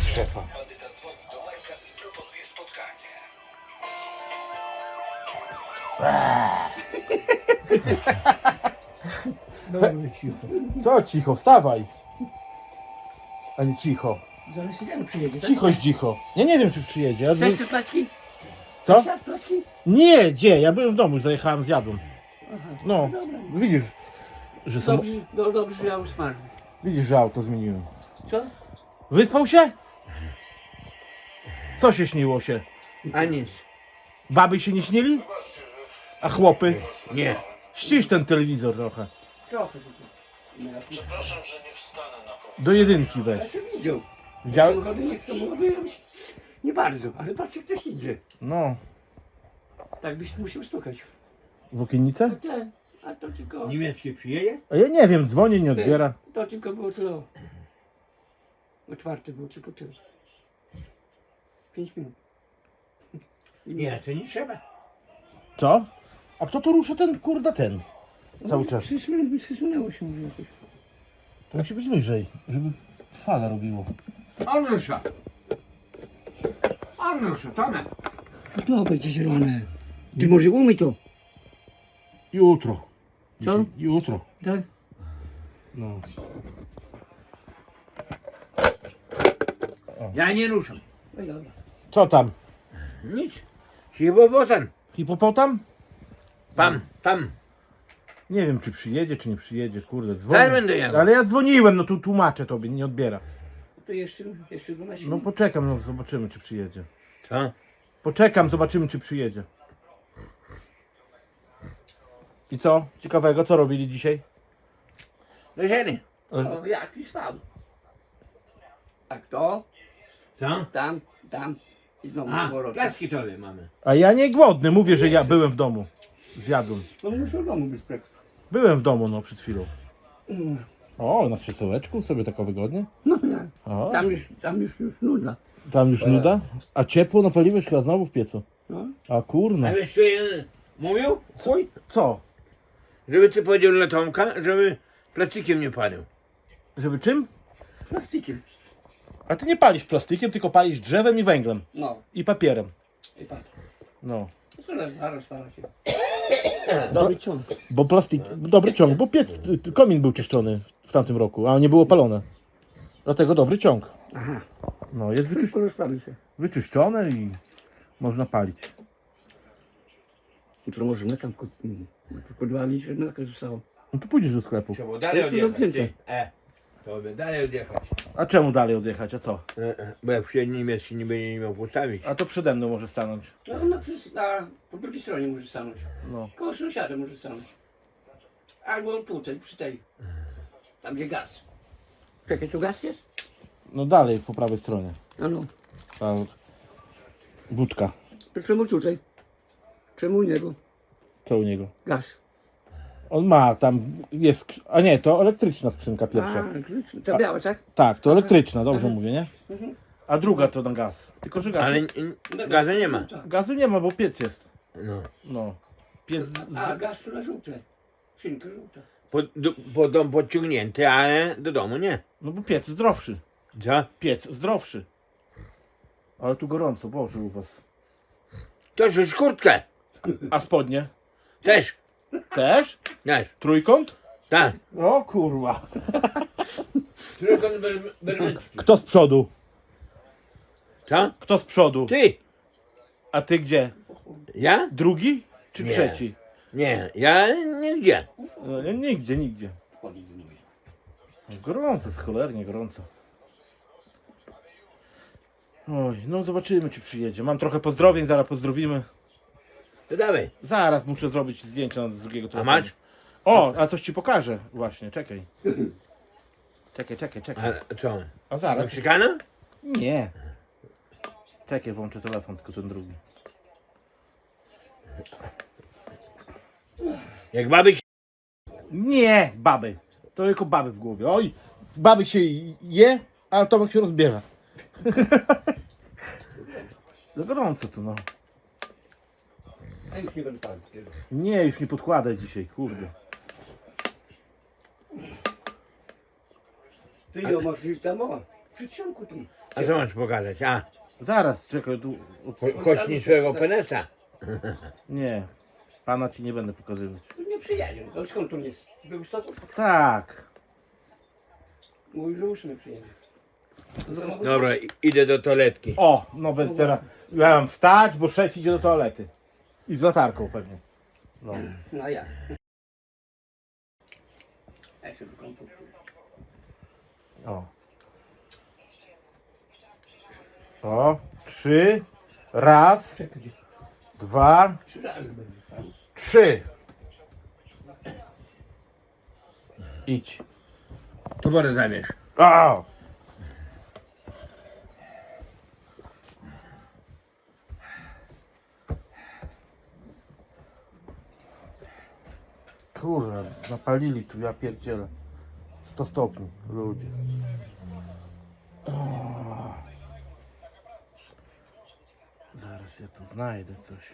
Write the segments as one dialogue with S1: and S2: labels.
S1: szefa.
S2: Bandyta dzwoni do Majka i proponuje spotkanie.
S3: Dobra, cicho.
S1: Co cicho, wstawaj. A nie cicho.
S3: Zaraz się tam przyjedzie, tak?
S1: Cicho, cicho. Ja nie wiem, czy przyjedzie. Ja
S3: Chcesz te placki?
S1: Co?
S3: Chcesz placki?
S1: Nie, gdzie? Ja byłem w domu, zajechałem, zjadłem.
S3: Aha,
S1: No,
S3: dobra.
S1: widzisz, że są...
S3: Dobrze, że ja usmażę.
S1: Widzisz, że auto zmieniłem.
S3: Co?
S1: Wyspał się? Co się śniło się?
S3: A nic.
S1: Baby się nie śnili? A chłopy?
S3: Nie.
S1: Ścisz ten telewizor trochę.
S3: Trochę tylko.
S2: Przepraszam, że nie wstanę na powrót.
S1: Do jedynki
S3: Ja
S1: weź.
S3: się widział.
S1: Widziałeś?
S3: Samochody nie chcą robić. Nie bardzo, ale patrzcie, ktoś idzie.
S1: No.
S3: Tak byś musiał stukać.
S1: W okiennicę?
S3: A to tylko...
S4: Niemieckie przyjedzie?
S1: A ja nie wiem, dzwoni, nie odbiera.
S3: To tylko było tyle. Otwarte było tylko tyle. 5 minut.
S4: Nie, to nie trzeba.
S1: Co? A kto to rusza ten, kurda, ten? Cały czas.
S3: Przysunęło się może jakoś.
S1: To musi być wyżej, żeby fala robiło.
S4: On rusza. On rusza, Tomek.
S3: To będzie zielone. Ty może umyj to.
S1: Jutro.
S3: Co?
S1: Jutro.
S3: Tak?
S1: No.
S4: Ja nie ruszam.
S3: No i dobra.
S1: Co tam?
S4: Nic. Hipopotam.
S1: Hipopotam?
S4: Tam.
S1: Nie wiem, czy przyjedzie, czy nie przyjedzie, kurde,
S4: Zaraz
S1: dzwonię.
S4: będę jechał.
S1: Ale ja dzwoniłem, no tu tłumaczę tobie, nie odbiera.
S3: To jeszcze 12
S1: No
S3: minut.
S1: poczekam, no zobaczymy, czy przyjedzie.
S4: Co?
S1: Poczekam, zobaczymy, czy przyjedzie. I co? Ciekawego, co robili dzisiaj?
S4: Do ziemi.
S3: O, jaki spał. Tak to,
S4: Co?
S3: tam i znowu
S4: A,
S3: powrotem.
S4: placki tobie mamy.
S1: A ja nie głodny, mówię, że ja byłem w domu. Zjadłem.
S3: No muszę do domu być tak.
S1: Byłem w domu, no, przed chwilą. O, na krzesełeczku, sobie tak wygodnie.
S3: No jak?
S1: O,
S3: Tam już nuda.
S1: tam już nuda. A ciepło napaliłeś chyba znowu w piecu.
S3: No.
S1: A kurna.
S4: A wiesz co jeden mówił? Chuj.
S1: Co?
S4: Żeby ty powiedział dla Tomka, żeby plastikiem nie palił.
S1: Żeby czym?
S3: Plastikiem.
S1: A ty nie palisz plastikiem, tylko palisz drzewem i węglem.
S3: No.
S1: I papierem.
S3: I patrz.
S1: No.
S3: Zaraz się. Dobry ciąg.
S1: Bo plastik, dobry ciąg, bo komin był czyszczony w tamtym roku, a nie było palone. Dlatego dobry ciąg.
S3: Aha.
S1: No, jest
S3: Szybko rozprawi się.
S1: wyczyszczone i można palić.
S3: Jutro możemy tam podwalić, że na zostało.
S1: No to pójdziesz do sklepu.
S4: Trzeba dalej
S3: To
S4: odjechać.
S3: zamknięte.
S4: Ty. To by dalej odjechać.
S1: A czemu dalej odjechać, a co?
S4: Bo jak przyjedzie niemiecki nie będzie nie miał postawić.
S1: A to przede mną może stanąć.
S3: No, po drugiej stronie może stanąć.
S1: No.
S3: Koło sąsiada może stanąć. Albo tutaj, przy tej. Tam gdzie gaz. Czekaj, tu gaz jest?
S1: No dalej, po prawej stronie.
S3: No.
S1: Ta budka.
S3: To czemu tutaj? Czemu u niego?
S1: Co u niego?
S3: Gaz.
S1: On ma, tam jest, a nie, to elektryczna skrzynka pierwsza.
S3: Ta biała, tak?
S1: Tak, to elektryczna, dobrze mówię, nie?
S3: Mhm.
S1: A druga to na gaz. Tylko, że gaz,
S4: Ale gazu nie ma.
S1: gazu nie ma, bo piec jest.
S4: No.
S1: No. Piec
S3: A, gaz to na żółte. Szynka żółta.
S4: Pod dom podciągnięty, ale do domu nie.
S1: no bo piec zdrowszy.
S4: Co?
S1: Piec zdrowszy. Ale tu gorąco, Boże, u was.
S4: To już kurtkę.
S1: A spodnie?
S4: Też.
S1: Też?
S4: Też.
S1: Trójkąt?
S4: Tak.
S1: O kurwa.
S4: Trójkąt bermecki.
S1: Kto z przodu?
S4: Co?
S1: Kto z przodu?
S4: Ty.
S1: A ty gdzie?
S4: Ja?
S1: Drugi czy
S4: Nie.
S1: trzeci?
S4: Nie, ja nigdzie.
S1: No, nie, nigdzie. Gorąco, jest cholernie gorąco. Oj, no zobaczymy, czy przyjedzie. Mam trochę pozdrowień, zaraz pozdrowimy.
S4: To dawaj.
S1: Zaraz muszę zrobić zdjęcia z drugiego
S4: A
S1: telefonu.
S4: masz?
S1: O, a coś ci pokażę właśnie, czekaj. Czekaj.
S4: A co?
S1: A zaraz.
S4: Meksykaną?
S1: Nie. Czekaj, włączę telefon, tylko ten drugi.
S4: Jak baby się...
S1: Nie, baby. To tylko baby w głowie. Oj, baby się je, a Tomek się rozbiera. Za gorąco tu, no.
S3: A już nie będę palić.
S1: Nie, już nie podkładaj dzisiaj, kurde.
S3: Ty ją masz tam, o, przy ścianku tu.
S4: A co masz pokazać? A,
S1: Zaraz, czekaj, tu...
S4: choć niczego penesa.
S1: Nie, pana ci nie będę pokazywać.
S3: Tu nie przyjedzie. No skąd tu jest? Z Białymstoku?
S1: Tak.
S3: Mówi, że 8 przyjedzie.
S4: Dobra, idę do toaletki.
S1: O, no będę teraz... Ja mam wstać, bo szef idzie do toalety. I z latarką pewnie. No.
S3: No a jak? Ja się wykąpuję.
S1: O. O, 3. Raz,
S3: Czekaj,
S1: 2,
S3: 3 razy będzie stał.
S1: 3. Idź.
S4: Tu wodę zabierz.
S1: O! Kurwa, napalili tu, ja pierdzielę. 100 stopni, ludzie. O. Zaraz ja tu znajdę coś.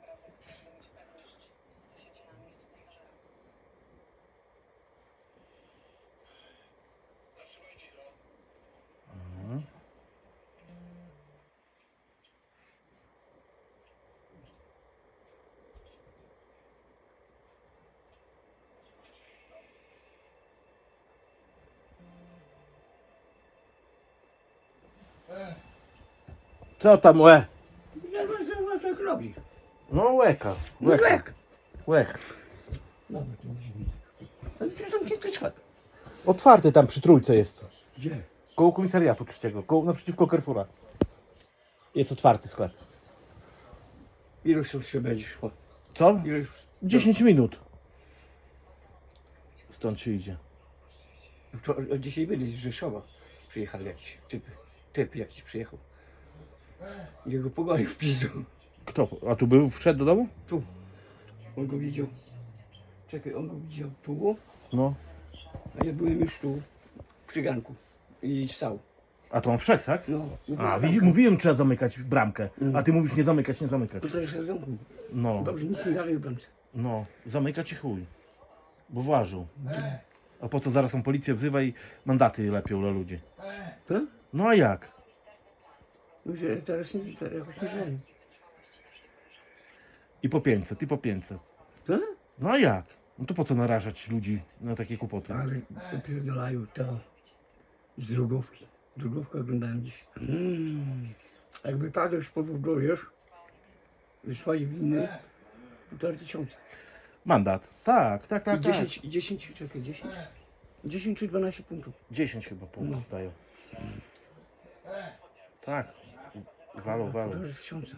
S1: Co tam łe?
S3: Ja tak robi.
S1: No łeka,
S3: No
S1: łeka,
S3: jak?
S1: łech.
S3: Dobra, to może być. Ale to są kilka schodów.
S1: Otwarty tam przy trójce jest.
S3: Gdzie?
S1: Koło komisariatu trzeciego, koło, naprzeciwko Carrefoura. Jest otwarty sklep.
S3: Ilu się będzie szło?
S1: Co?
S3: Ilu
S1: 10 minut. Stąd się idzie.
S3: Dzisiaj byli z Rzeszowa. Przyjechali jakiś typy. Typ jakiś przyjechał. Jego pogoił w pizdu.
S1: Kto? A tu był, wszedł do domu?
S3: Tu. On go widział. Czekaj, on go widział tu,
S1: No.
S3: a ja byłem już tu przy ganku. I stał.
S1: A to on wszedł, tak?
S3: No.
S1: A, mówiłem, trzeba zamykać bramkę. A ty mówisz nie zamykać, nie zamykać.
S3: To teraz zamknął.
S1: No,
S3: Dobrze, nic nie dalej w bramce.
S1: no. Zamykać i chuj. Bo włażą. A po co zaraz on policję wzywa i mandaty lepią dla ludzi?
S3: Co?
S1: No a jak?
S3: No, że teraz jakoś nie wiem.
S1: I po 500, i po 500.
S3: Co?
S1: No a jak? No to po co narażać ludzi na takie kłopoty?
S3: Ale opierdalają to z drugówki. Drugówkę oglądałem dziś. Jakby padł już po wróblu, wiesz? Wysłali winy 1500.
S1: Mandat. Tak, tak, tak.
S3: I
S1: tak.
S3: 10, czekaj, 10 czy 12 punktów.
S1: 10 chyba punktów dają. Tak. Walą.
S3: 1000.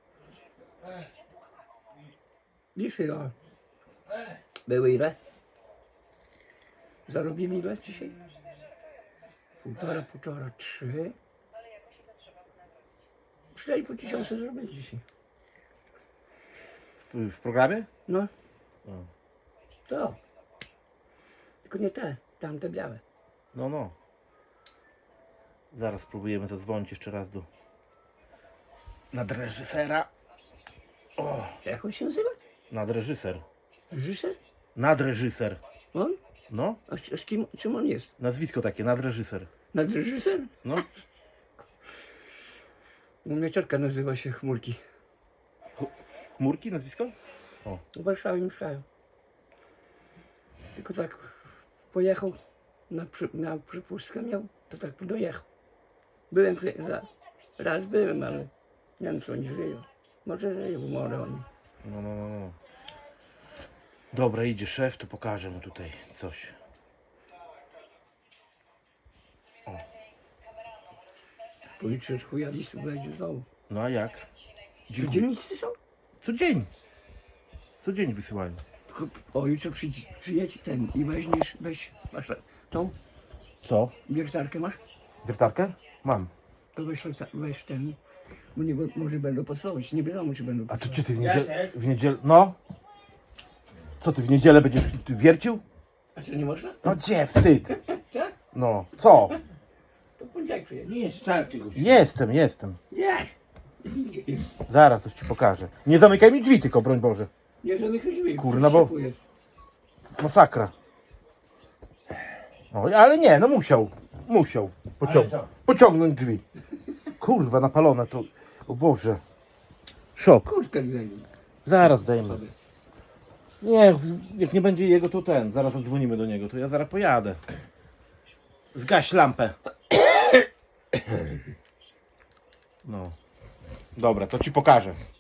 S3: Dzisiaj, a były ile? Zarobili ile dzisiaj? Półtora, 3. 4,5 tysiąca zrobili dzisiaj.
S1: W programie?
S3: No.
S1: O.
S3: To. Tylko nie te, tamte białe.
S1: No. Zaraz spróbujemy zadzwonić jeszcze raz do nadreżysera. O,
S3: Jak on się nazywa?
S1: nadreżyser.
S3: Reżyser?
S1: Nadreżyser.
S3: On?
S1: No,
S3: A z kim, czym on jest?
S1: nazwisko takie, nadreżyser.
S3: Nadreżyser?
S1: No,
S3: U mnie ciotka nazywa się Chmurki.
S1: Chmurki nazwisko?
S3: W Warszawie mieszkają. Tylko tak pojechał, na przypustkę miał, to tak dojechał. Byłem, raz byłem, ale nie wiem, czy oni żyją. Może żyją, może oni.
S1: No. Dobra, idzie szef, to pokażę mu tutaj coś.
S3: Policja od chuja listu będzie znowu.
S1: No a jak?
S3: Dziennicy są?
S1: Co dzień wysyłają.
S3: Tylko, o, jutro przyjedź ten i weź tą
S1: Co?
S3: wiertarkę masz?
S1: Wiertarkę? Mam.
S3: To weź ten, bo nie, może będą pasować, nie wiadomo czy będą
S1: A to
S3: pasować.
S1: czy ty w niedzielę... No? Co ty w niedzielę będziesz wiercił?
S3: A co, nie można?
S1: No gdzie, wstyd.
S3: Tak?
S1: No, co?
S3: To poniedziałek przyjedzie.
S4: Nie start tego.
S1: Jestem.
S3: Jest!
S1: Zaraz coś ci pokażę. Nie zamykaj mi drzwi tylko, broń Boże.
S3: Nie zamykaj
S1: Kurna, bo- Masakra. O, ale nie, no musiał. Musiał
S4: Ale co?
S1: pociągnąć drzwi. Kurwa, napalone to. O Boże. Szok.
S3: Kurtkę zdejmij.
S1: Zaraz zdejmę. Nie, jak nie będzie jego, to zaraz zadzwonimy do niego, to ja zaraz pojadę. Zgaś lampę. No. Dobra, to ci pokażę.